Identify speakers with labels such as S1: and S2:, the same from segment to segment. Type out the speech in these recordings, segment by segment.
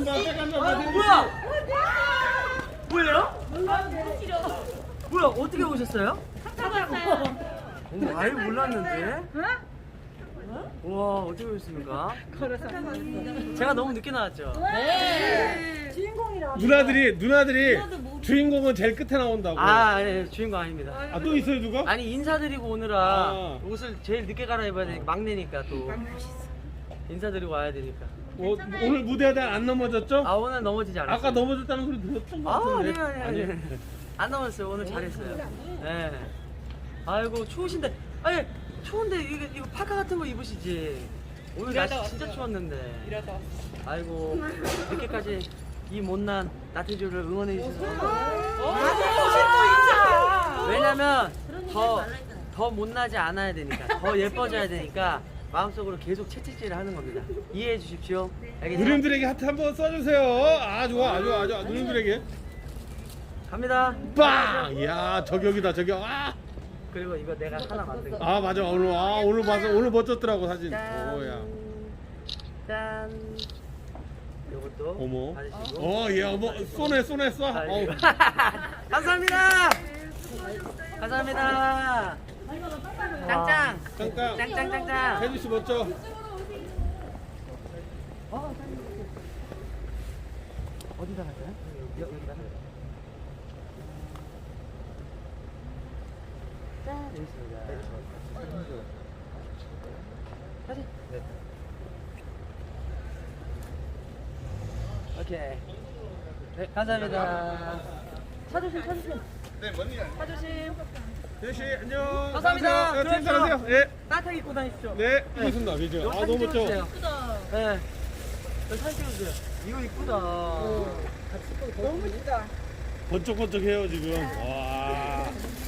S1: 뭐야? 뭐예요? 뭐야? 어떻게 오셨어요? 아예 몰랐는데. 와, 어떻게 오셨습니까? 제가 너무 늦게 나왔죠?
S2: 누나들이 주인공은 제일 끝에 나온다고.
S1: 아, 네, 주인공 아닙니다.
S2: 아, 또 있어요 누가?
S1: 아니, 인사드리고 오느라
S2: 아.
S1: 옷을 제일 늦게 갈아입어야 되니까, 막내니까 또. 인사드리고 와야 되니까.
S2: 오늘 무대하다 안 넘어졌죠?
S1: 아, 오늘 넘어지지 않았어요.
S2: 아까 넘어졌다는 소리 들었던 것
S1: 아,
S2: 같은데.
S1: 아니요. 안 넘었어요. 오늘 잘했어요. 네. 아이고, 추우신데. 아니, 추운데 이거 파카 같은 거 입으시지. 오늘 날씨 진짜 추웠는데. 아이고, 이렇게까지 이 못난 나태주를 응원해 주셔서. 왜냐면 더 못나지 않아야 되니까, 더 예뻐져야 되니까 마음속으로 계속 채찍질을 하는 겁니다. 이해해 주십시오. 알겠죠?
S2: 누님들에게 하트 한번 써주세요. 아 좋아. 누님들에게
S1: 갑니다.
S2: 빵! 이야 저격이다 저격. 아!
S1: 그리고 이거 내가 하나 만든 거.
S2: 아 맞아 오늘 봐서 오늘 멋졌더라고 사진.
S1: 짠.
S2: 오야.
S1: 짠. 요것도
S2: 어머.
S1: 받으시고.
S2: 예 어머 쏘네 쏴. 어우.
S1: 감사합니다. 감사합니다. 짱짱.
S2: 짱짱.
S1: 짱짱짱짱.
S2: 혜주 씨 멋져.
S1: 어디다 갈까요? 여기다. 짠. 여기 있습니다. 사진. 네. 오케이. 네, 감사합니다. 차조심.
S2: 네 뭔 일?
S1: 차조심.
S2: 혜주 씨 안녕.
S1: 감사합니다.
S2: 안녕하세요. 팀 잘하세요. 예.
S1: 따뜻하게 입고 다니십시오.
S2: 네. 고맙습니다. 그죠.
S1: 이거
S2: 아
S1: 사진
S2: 너무 멋져.
S1: 찍어주세요. 네. 여기 사진 찍어주세요. 이거 이쁘다.
S3: 너무 멋지다.
S2: 번쩍번쩍해요 지금. 와.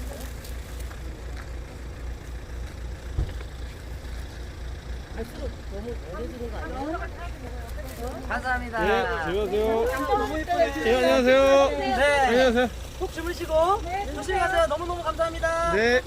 S3: 갈수록 너무 어려지는 거 아니야?
S1: 감사합니다.
S2: 네. 안녕하세요.
S3: 너무 예쁘네.
S2: 예 안녕하세요.
S1: 네.
S2: 안녕하세요.
S1: 푹 주무시고 조심히 가세요. 너무너무 감사합니다.
S2: 네.